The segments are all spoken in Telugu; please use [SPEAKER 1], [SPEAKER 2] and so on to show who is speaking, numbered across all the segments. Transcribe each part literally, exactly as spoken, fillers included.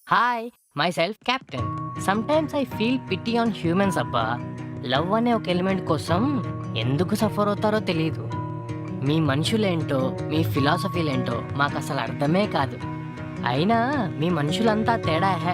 [SPEAKER 1] Hi myself captain. Sometimes I feel pity on humans అబ్బా. లవ్ అనే ఒక ఎలిమెంట్ కోసం ఎందుకు సఫర్ అవుతారో తెలియదు. మీ మనుషులేంటో మీ ఫిలాసఫీలేంటో మాకు అసలు అర్థమే కాదు. అయినా మీ మనుషులంతా తేడా hey.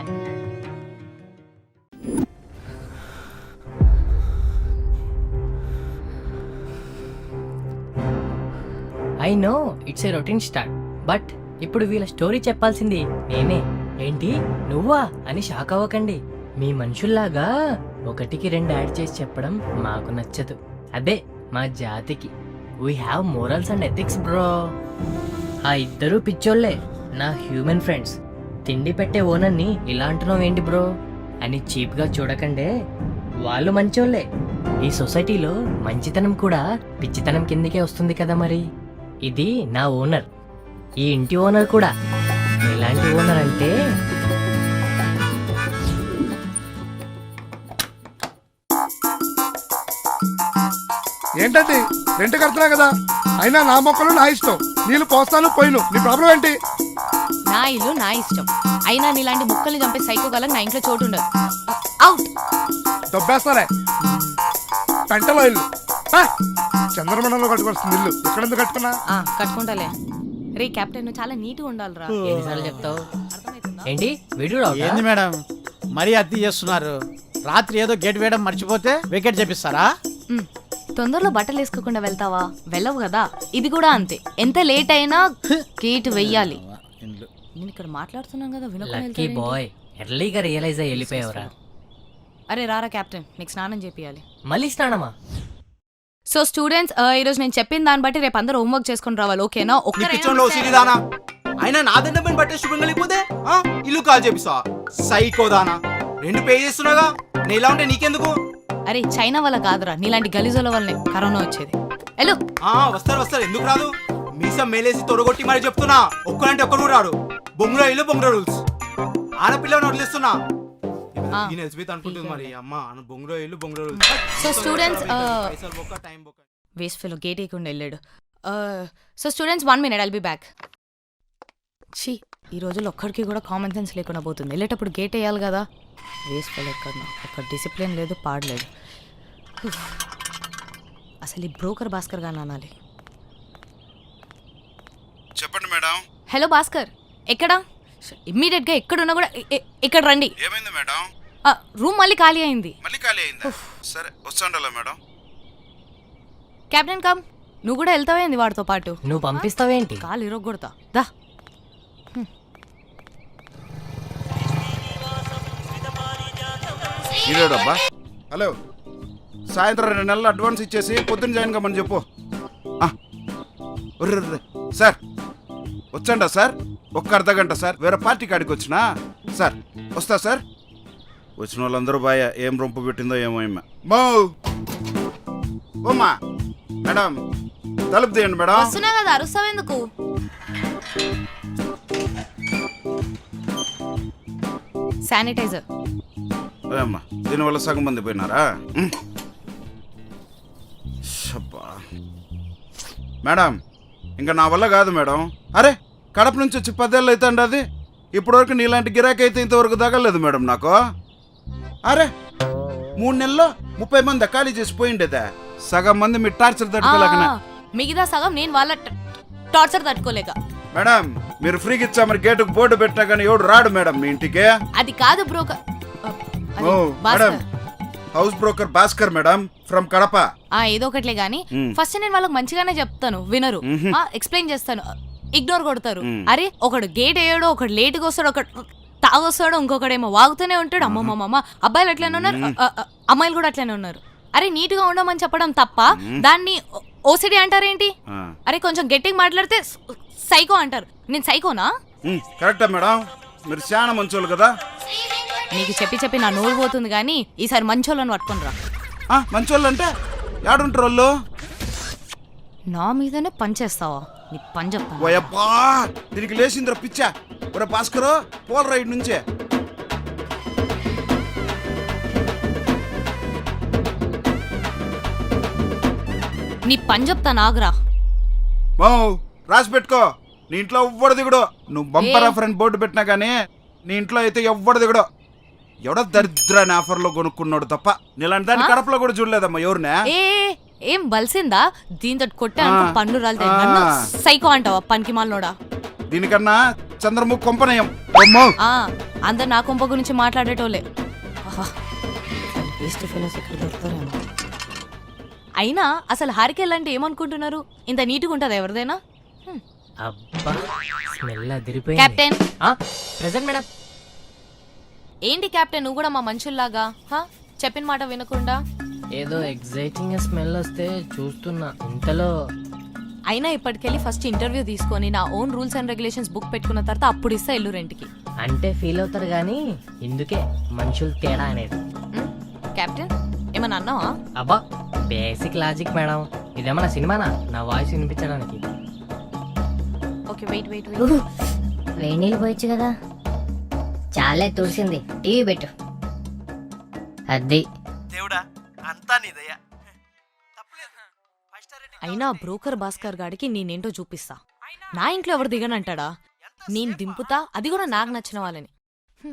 [SPEAKER 1] I know it's a routine start, but ఇప్పుడు వీళ్ళ స్టోరీ చెప్పాల్సింది నేనే. ఏంటి నువ్వా అని షాక్ అవ్వకండి. మీ మనుషుల్లాగా ఒకటికి రెండు యాడ్ చేసి చెప్పడం మాకు నచ్చదు. అదే మా జాతికి. We have morals and ethics bro. ఆ ఇద్దరు పిచ్చోళ్లే నా హ్యూమన్ ఫ్రెండ్స్. తిండి పెట్టే ఓనర్ని ఇలా అంటున్నావు ఏంటి బ్రో అని చీప్గా చూడకండే. వాళ్ళు మంచోళ్లే. ఈ సొసైటీలో మంచితనం కూడా పిచ్చితనం కిందకే వస్తుంది కదా మరి. ఇది నా ఓనర్, ఈ ఇంటి ఓనర్ కూడా. ఎలాంటి ఓనర్ అంటే
[SPEAKER 2] ఏంటండి రెంట్ కడుతున్నా కదా, అయినా నా మొక్కలు నా ఇష్టం. నీళ్ళు పోస్తాను పోయిను, నీ ప్రాబ్లం ఏంటి?
[SPEAKER 3] నా ఇల్లు నా ఇష్టం, అయినా నీలాంటి ముక్కల్ని చంపే సైకోగలం నా ఇంట్లో చోటు ఉండదు. అవుట్.
[SPEAKER 2] దొబ్బేస్తారే పెంటలో ఇల్లు. చంద్రమండలంలో కట్టుకొస్తుంది ఇల్లు, ఎక్కడెందుకు కట్టుకున్నా?
[SPEAKER 3] ఆ, కట్టుకుంటాలే. రే కెప్టెన్, నువ్వు చాలా నీట్గా ఉండాలిరా.
[SPEAKER 1] ఎన్నిసార్లు చెప్తావు?
[SPEAKER 3] అర్థమవుతుందా?
[SPEAKER 1] ఏంటి వీడియో
[SPEAKER 4] ఏంది మేడం మరీ అతి చేస్తున్నారు? రాత్రి ఏదో గేట్ వేయడం మర్చిపోతే వికెట్ చేపిస్తారా?
[SPEAKER 3] ఉమ్, తొందరలో బట్టలు వేసుకోకుండా వెళ్తావా? వెళ్ళవు కదా. ఇది కూడా అంతే, ఎంత లేట్ అయినా గేట్ వెయ్యాలి. నేను ఇక్కడ మాట్లాడుతున్నాను కదా,
[SPEAKER 1] లక్కీ
[SPEAKER 3] వినకుండా
[SPEAKER 1] బాయ్, ఎర్లీగా రియలైజ్ అయ్యి వెళ్ళిపోయావురా.
[SPEAKER 3] అరే రారా కెప్టెన్, నీకు స్నానం చేపియాలి.
[SPEAKER 1] మళ్ళీ స్నానమా?
[SPEAKER 3] సో స్టూడెంట్స్, ఈరోజు నేను చెప్పిన దాన్ని బట్టి రేపు అందరూ హోంవర్క్ చేసుకుని రావాలి, ఓకేనా?
[SPEAKER 5] పిచ్చోన్లో సిరిదానా అయినా నా దండం బట్టే శుభ్రం కలిగిపోతే ఇల్లు కాల్ చేపిస్తా. సైకోదానా రెండు పే చేస్తున్నాగా, నేను ఇలా ఉంటే నీకెందుకు?
[SPEAKER 3] అరే చైనా వల్ల కాదురా, నీలాంటి గలీజుల వల్లనే కరోనా వచ్చేది. హలో
[SPEAKER 5] వస్తారు వస్తారు, ఎందుకు రాదు? మీసం మేలేసి తొడగొట్టి మరి చెప్తున్నా, ఒక్కడంటే ఒక్కడు రాడు. బొంగులో ఇల్లు బొంగులో రూల్స్. ఆడపిల్లని వదిలేస్తున్నా. నేను ఎస్బీత్ అనుకుంటుంది మరి అమ్మ బొంగులో ఇల్లు బొంగులో రూల్స్.
[SPEAKER 3] సో స్టూడెంట్స్,
[SPEAKER 5] పైసలు బొక్క టైం బొక్క.
[SPEAKER 3] వేస్ట్ ఫెలో గేట్ వేయకుండా వెళ్ళాడు. So students, one minute, I'll be back. ఛీ, ఈ రోజుల్లో ఒక్కడికి కూడా కామన్ సెన్స్ లేకుండా పోతుంది. వెళ్ళేటప్పుడు గేట్ వేయాలి కదా. వేస్ట్ ఫెలో ఎక్కడ ఒక డిసిప్లిన్ లేదు, పాడలేదు. అసలు ఈ బ్రోకర్ భాస్కర్ గాని అనాలి.
[SPEAKER 6] చెప్పండి మేడం.
[SPEAKER 3] హలో భాస్కర్, ఎక్కడా? ఇమ్మీడియట్గా ఎక్కడున్నా కూడా ఇక్కడ రండి.
[SPEAKER 6] ఏమైంది మేడం?
[SPEAKER 3] రూమ్ మళ్ళీ ఖాళీ అయింది.
[SPEAKER 6] మళ్ళీ ఖాళీ అయిందా? సరే వస్తాండలా మేడం.
[SPEAKER 3] కెప్టెన్ కమ్, నువ్వు కూడా వెళ్తావేంది వాడితో పాటు?
[SPEAKER 1] నువ్వు పంపిస్తావేంటి?
[SPEAKER 3] కాలు ఇరగొడతా దా.
[SPEAKER 6] ఇదేడబ్బా. హలో, సాయంత్రం రెండు నెలలు అడ్వాన్స్ ఇచ్చేసి పొద్దున్న జాయిన్ కమ్మని చెప్పు. సార్ వచ్చండా సార్? ఒక్క అర్ధ గంట సార్, వేరే పార్టీ కాడికి వచ్చినా సార్. వస్తా సార్. వచ్చిన వాళ్ళందరూ బాయ్, ఏం రొంపు పెట్టిందో ఏమో ఏమో. మో ఓమ్మా మేడం, తలుపు తీయండి మేడం.
[SPEAKER 3] వస్తున్నా కదా, అరుస్తావెందుకు? శానిటైజర్.
[SPEAKER 6] అమ్మా, దీనివల్ల సగం మంది పోయినారా? మేడం ఇంకా నా వల్ల కాదు మేడం. అరే కడప నుంచి వచ్చి పదేళ్ళు అయితే అండి, అది ఇప్పటివరకు నీలాంటి గిరాకీ అయితే ఇంతవరకు తగలేదు మేడం నాకు. అరే మూడు నెలల్లో ముప్పై మంది ఖాళీ చేసి పోయిండేదా. సగం మంది మీ టార్చర్ తట్టుకోలేక,
[SPEAKER 3] మిగతా సగం నేను వాళ్ళ టార్చర్ తట్టుకోలేక.
[SPEAKER 6] మేడం మీరు ఫ్రీకి ఇచ్చా మరి గేటుకు బోర్డు పెట్టినా కానీ ఎవడు రాడు మేడం మీ ఇంటికి.
[SPEAKER 3] అది కాదు broker.
[SPEAKER 6] Madam house broker Bhaskar madam from Kadapa.
[SPEAKER 3] ఏదో ఒకట్లే గానీ, ఫస్ట్ నేను వాళ్ళకి మంచిగానే చెప్తాను, వినరు. ఎక్స్ప్లెయిన్ చేస్తాను, ఇగ్నోర్ కొడతారు. అరే ఒకడు గేట్ వేయడు, ఒకడు లేట్గా వస్తాడు, ఒకడు తాగొస్తాడు, ఇంకొకడేమో వాగుతూనే ఉంటాడు. అమ్మమ్మమ్మ, అబ్బాయిలు అట్లనే ఉన్నారు, అమ్మాయిలు కూడా అట్లనే ఉన్నారు. అరే నీట్ గా ఉండమని చెప్పడం తప్ప దాన్ని ఓసిడి అంటారేంటి? అరే కొంచెం గట్టిగా మాట్లాడితే సైకో అంటారు. నేను సైకోనా?
[SPEAKER 6] కరెక్టా మేడం, మీరు చాలా మంచోళ్ళు కదా.
[SPEAKER 3] నీకు చెప్పి చెప్పి నా నోరు పోతుంది కానీ ఈసారి మంచోళ్ళని పట్టుకొని రా.
[SPEAKER 6] మంచోళ్ళు అంటే ఏడుంటారు వాళ్ళు?
[SPEAKER 3] నా మీదనే పనిచేస్తావా? నీ పని చెప్తాను.
[SPEAKER 6] ఓయబ్బా, దీనికి లేచిందిరా పిచ్చా. ఒరే భాస్కర్, పోల్ రైడ్ నుంచే.
[SPEAKER 3] నీ పని చెప్తాను, ఆగురా.
[SPEAKER 6] రాసి పెట్టుకో, నీ ఇంట్లో ఎవ్వడు దిగుడు. నువ్వు బంపర్ ఫ్రెండ్ బోర్డు పెట్టినా గానీ నీ ఇంట్లో అయితే ఎవ్వడు దిగడు. ఎవడో దరిద్రాన్ని ఆఫర్లో కొనుక్కున్నాడు తప్ప నీలాంటి దాన్ని
[SPEAKER 3] ఆ?
[SPEAKER 6] కడపలో కూడా చూడలేదమ్మా ఎవరినే.
[SPEAKER 3] ఏ ఏ, ఏం బలిసిందా దీంతో కొట్టే
[SPEAKER 6] ఆ.
[SPEAKER 3] పన్ను రాలితే
[SPEAKER 6] ఆ.
[SPEAKER 3] నన్ను సైకో అంటావా పనికి మాలనోడా?
[SPEAKER 6] దీనికన్నా చంద్రముఖి కొంపనయం. అమ్మో
[SPEAKER 3] ఆ, అందరు నా కొంప గురించి మాట్లాడేటోలే. ఆహా, వేస్ట్ ఫెలోస్ ఇక్కడ దొరుకుతారేమో. అయినా అసలు హారికేల్ అంటే ఏమనుకుంటున్నారు? ఇంత నీట్గా ఉంటుందా ఎవరిదైనా? హ్మ్.
[SPEAKER 1] అబ్బా స్మెల్ అదిరిపోయింది.
[SPEAKER 3] Captain
[SPEAKER 1] present madam.
[SPEAKER 3] ఏంటి కెప్టెన్ నువ్వు కూడా మా మనుషుల్లాగా హా? చెప్పిన మాట వినకుండా?
[SPEAKER 1] ఏదో ఎగ్జైటింగ్ స్మెల్ వస్తే చూస్తున్నా, ఇంతలో
[SPEAKER 3] అయినా ఇప్పటికెళ్ళి ఫస్ట్ ఇంటర్వ్యూ తీసుకొని నా own rules and regulations book పెట్టుకున్న తర్వాత అప్పుడు ఇస్తా ఇల్లు రెంట్కి.
[SPEAKER 1] అంటే ఫీల్ అవుతారు కానీ ఇందుకే మనుషులు తేడా అనేది.
[SPEAKER 3] హ్మ్? కెప్టెన్ ఏమన్నా అన్నావా?
[SPEAKER 1] అబ్బా బేసిక్ లాజిక్ మేడం, ఇదేమన్నా సినిమానా నా వాయిస్ వినిపించడానికి?
[SPEAKER 3] Okay wait wait wait.
[SPEAKER 7] వేడి నీళ్ళు పోయొచ్చు కదా. చాలే తుడిసింది, టీవీ పెట్టు. అది
[SPEAKER 3] అయినా బ్రోకర్ భాస్కర్ గాడికి నేనేంటో చూపిస్తా. నా ఇంట్లో ఎవరు దిగనంటాడా? నేను దింపుతా, అది కూడా నాకు నచ్చిన వాళ్ళని.